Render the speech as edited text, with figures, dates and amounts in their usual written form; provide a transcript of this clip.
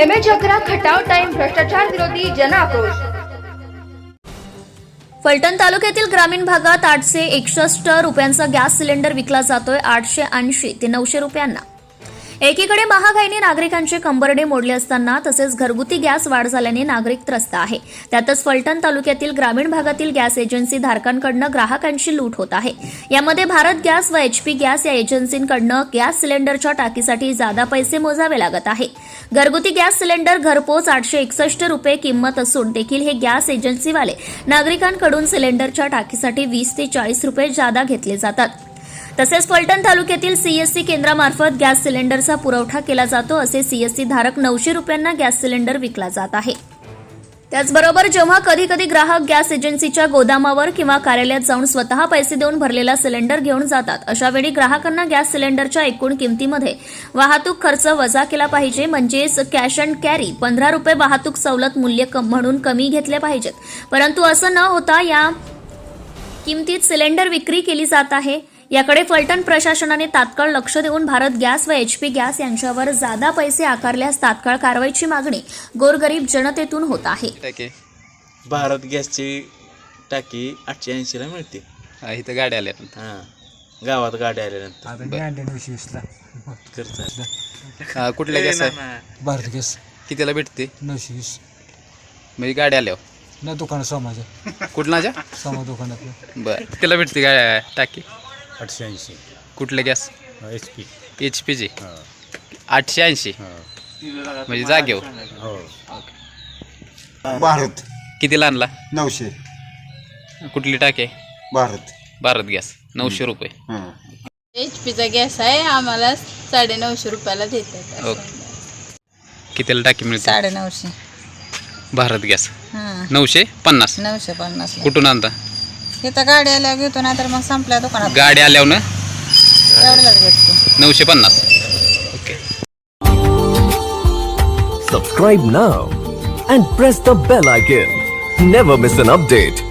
MH 11 Khatav time भ्रष्टाचार विरोधी जन आक्रोश। फलटण तालुक्यातील ग्रामीण भागात 861 रुपयांचा गॅस सिलेंडर विकला जातोय 880 ते 900 रुपयांना। एकीकडे महागाईने नागरिकांचे कंबरडे मोडले असताना तसेच घरगुती गॅस वाढ झाल्याने नागरिक त्रस्त आहे। त्यातच फलटण तालुक्यातील ग्रामीण भागातील गॅस एजन्सी धारकांकडून ग्राहकांची लूट होत आहे। यामध्ये भारत गॅस व HP गॅस या एजन्सींकडून गॅस सिलेंडरच्या टाकीसाठी जादा पैसे मोजावे लागत आहे। घरगुती गॅस सिलेंडर घरपोच 861 रुपये किंमत असून देखील हे गॅस एजन्सीवाले नागरिकांकडून सिलेंडरच्या टाकीसाठी 20 ते 40 रुपये जादा घेतले जातात। तसेच फलटण तालुक्यातील CSC केंद्रामार्फत गॅस सिलेंडरचा पुरवठा केला जातो। असे CSC धारक 900 रुपयांना गॅस सिलेंडर विकला जात आहे। त्याचबरोबर जेव्हा कधी कधी ग्राहक गॅस एजन्सीच्या गोदामावर किंवा कार्यालयात जाऊन स्वतः पैसे देऊन भरलेला सिलेंडर घेऊन जातात, अशावेळी ग्राहकांना गॅस सिलेंडरच्या एकूण किमतीमध्ये वाहतूक खर्च वजा केला पाहिजे, म्हणजेच कॅश अँड कॅरी 15 रुपये वाहतूक सवलत मूल्य म्हणून कमी घेतले पाहिजेत। परंतु असं न होता या किमतीत सिलेंडर विक्री केली जात आहे। याकडे फलटण प्रशासनाने तात्काळ लक्ष देऊन भारत गॅस व HP गॅस यांच्यावर जादा पैसे आकारल्यास तात्काळ कारवाईची मागणी गोरगरीब जनतेतून होत आहे। भारत गॅसची टाकी 880 ला मिळते। इथं गाड्या आल्या गावात गाड्या आल्यानंतर कुठल्या गॅस आहे? भारत गॅस कितीला भेटते? 920 म्हणजे गाड्या आल्यावर ना दुकान समाजा कुठलाच्या समा दुकानात बरं कितीला भेटते गाड्या टाकी? 880 कुठले गॅस? HP ची 880 म्हणजे जागेवर। भारत कितीला आणला? 900 कुठली टाकी? भारत गॅस 900 रुपये। HP गॅस आहे, आम्हाला 950 रुपयाला देतात। ओके कितीला टाकी मिळते? 950 भारत गॅस 950 950 कुठून आणता? इथं गाडी आल्यावर घेतो ना, तर मग संपल्या दुकानात गाडी आल्यावर ना एवढ्यालाच भेटतो 950। Okay Subscribe now and press the bell icon. Never miss an update.